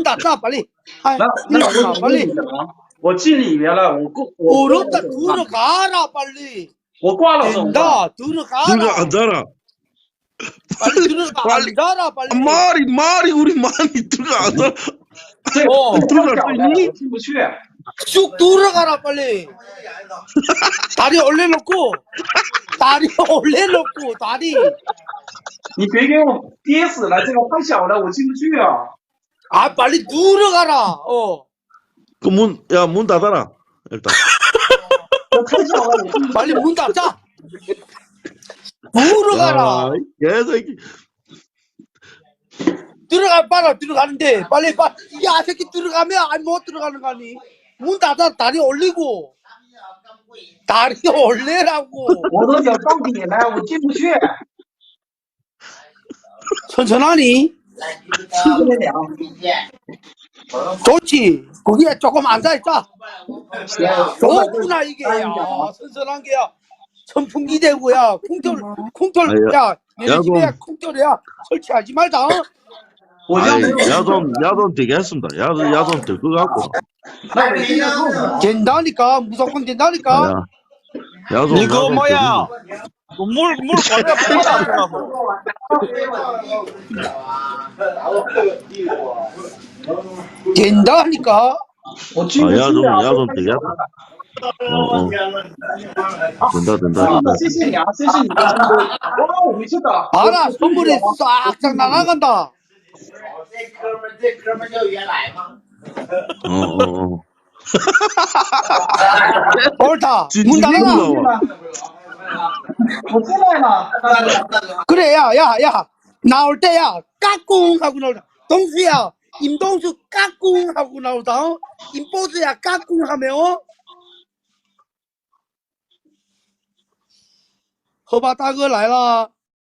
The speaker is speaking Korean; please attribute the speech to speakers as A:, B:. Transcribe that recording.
A: 문 닫자 빨리.
B: 那我
A: 빨리.
B: 我进里面了，我
A: 어렵다 들어가라 빨리.
B: 我挂了手。
A: 된다 들어가라.
C: 들어가 앉아라.
A: 빨리 들어가
C: 빨리.
A: 앉아라 빨리.
C: 말이 우리 많이 들어가 앉아.
B: 这
C: 들어갈 수 있니?
B: 进不去。
A: 쭉 들어가라 빨리. 다리 올려놓고 다리 올려놓고 다리.
B: 你别给我憋死了，这个太小了，我进不去啊。
A: 아 빨리 들어가라.
C: 그 문 닫아라. 일단.
B: 我太小了，我进不去。
A: 빨리 문 닫자. 들어가라.
C: 개새끼.
A: 들어가 빨아 들어가는데 빨리. 야 새끼 들어가면 아니 못 들어가는 거 아니. 문 닫아 다리 올리고. 다리 올리라고.
B: 我都想到底了，我进不去。
A: 천천하니? 좋지. 거기에 조금 앉아있자. 좋구나 이게. 야 선선한 게야. 선풍기 대고야. 쿵털. 야 얘네 집에 쿵털이야. 설치하지 말자.
C: 야좀 되겠습니다. 야좀 될 것 같고.
A: 된다니까. 무조건 된다니까.
C: 야좀.
D: 이거 뭐야? 물 버려 뿌려놨더라고.
A: 된다니까.
C: 야좀 되겠다. 된다.
B: 谢谢你啊，谢谢你。我回去的。
A: 봐라 선물이 싹싹 날아간다. 옳다. 문 닫아라.
B: 我进来了。
A: 그래 야 나올 때야 까꿍 하고 나오다. 동수야 임동수 까꿍 하고 나오다. 임보수야 까꿍 하며. 허바大哥来了。